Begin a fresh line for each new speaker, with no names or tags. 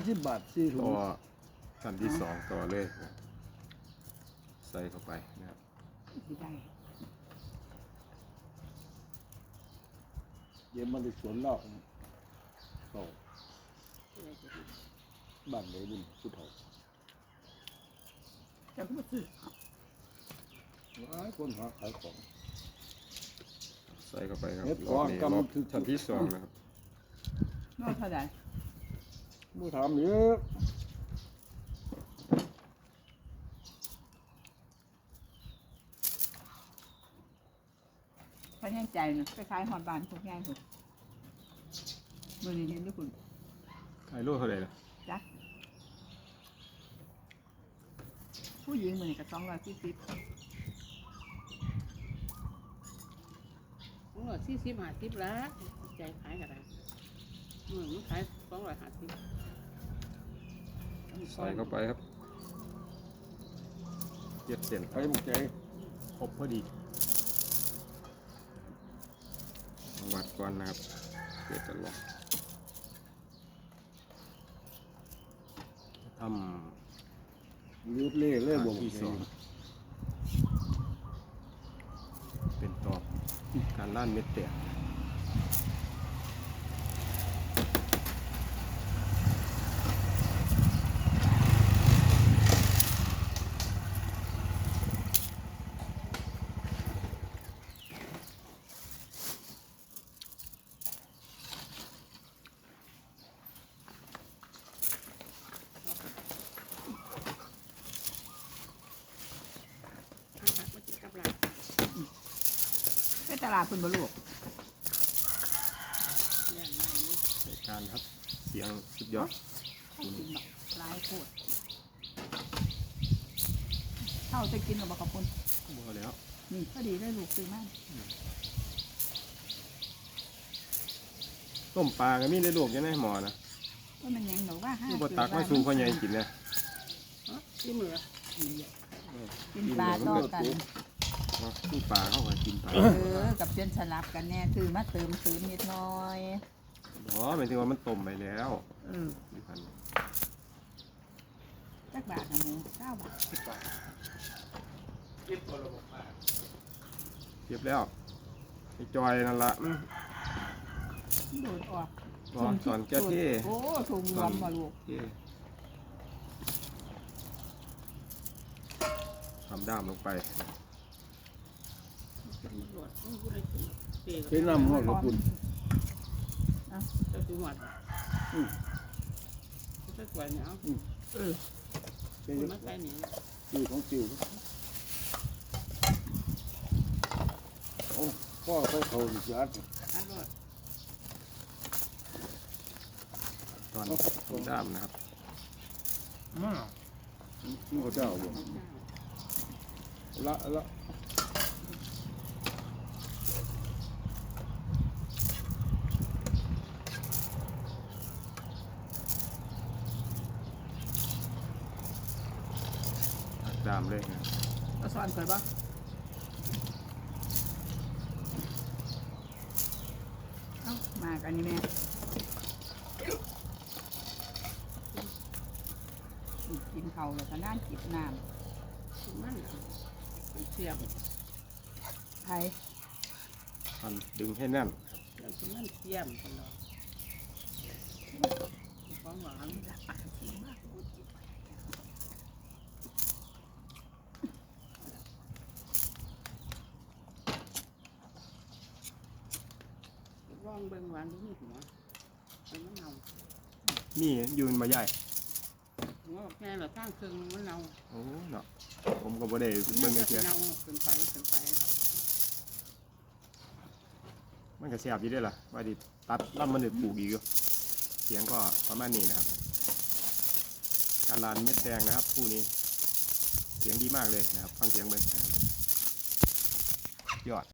30 บาท4ถุ
ต่
ง
อขั้นที่สองต่อเลยนะใส่เข้าไปนะครับ
ได้
เดี๋ยวมันจะสวนเราเข้าบ้านไหนบุญผู้เฒ่า
จะพูดซื้อ
หลายคนหาขายของ
ใส่เข้าไปครับ
เฮ็ด
รอบนี้
ก่อน
รอบ
กำถึง
ขั้นที่สองนะครับ
นอกเท่าไหร่
บ่ถามเยอะ
พอแห้งใจนะคล้ายๆหอดบานพวกง่ายถูกมือนี้เห็นด้วยคุณ
ขายโลเท่าไหร่ล่ะ
จ้ะผู้หญิงมือนี้ก็240
240-50แล้วใจขายกันได้มันขาย250
ใส่เข้าไปครับเย็ดเส้น
ใครบ่ใจ
ครบพอดีวัดก่อนนะครับเดี๋ยวจะลองท
ลืดเล่เลยบ่
ำที่สองเป็นตอบการล่านเม็ดแตก
ไปตลาดคุณบ่ลูก
ในการครับเสียงสุดยอด
ให้กินแบบหลายโคตรเท่าจะกินกับบอกขอบคุณ
พอแล้ว
นี่พอดีได้ลูกซื้อมาก
ต้มปลาก็มีได้ลวกอยังไงหมอนะ
ว่ามันยังหนูว่าห้า
ผู้บตักไม่สู้พ่อใหญ่กินนะ
ที่มือ
กินปลาต่อกัน
ผู้ปลาเข้ามากินปลา
กับเจนสลับกันแน่คือมาเติมซื้อนิดหน้อย
อ๋อหมายถึงว่ามันต้มไปแล้ว นี่พัน
สักบาทนะหมู9 บาท
เก็บแล้วไอ้จอยนั่นละ
โดดออก
อ๋อตอนแก้ที่
โอ้ถุงรวมมาลูก
ที่ทำด้ามลงไป
เป็นน้ำฮอดกับคุณ
เจ้าจุ๋มหวัดเจ้าสวยเนี่ยเอา
เป็น
คุณมาใส่เนี่ย
ชื่อของจิ๋วพ่อเขาสิอัด
อันรอด
ตอนทำด้ามนะครับ
นี่เขาเจ้าบ่ละ
ตัดด้ามเลยนะ
เอาสอนเคยปะเอามากันนี่แม่กินเขาวแล้วก็นั่งจิบน้
มันเสียบ
ำไทย
พันดึงให้แน่น
แล้วมันเสียบตลอดของหวานว่องเบิ่งหวานทุกหัวเป็นมะนาว
นี่ยืนมาใหญ่
หัวแค่เราตั้งเครื่องมะนาว
โอ้เนาะผมก็บ่ได้เบิ่งเสีย
เนาเป็นไป
มันก็แซ่บอยู่ได้อล่ะว่าดิตัดลำมันได้ปลูกอีกอยู่เสียงก็ประมาณนี้นะครับ การลานเม็ดแดงนะครับคู่นี้ เสียงดีมากเลยนะครับ ฟังเสียงเบิ่งนะครับยอด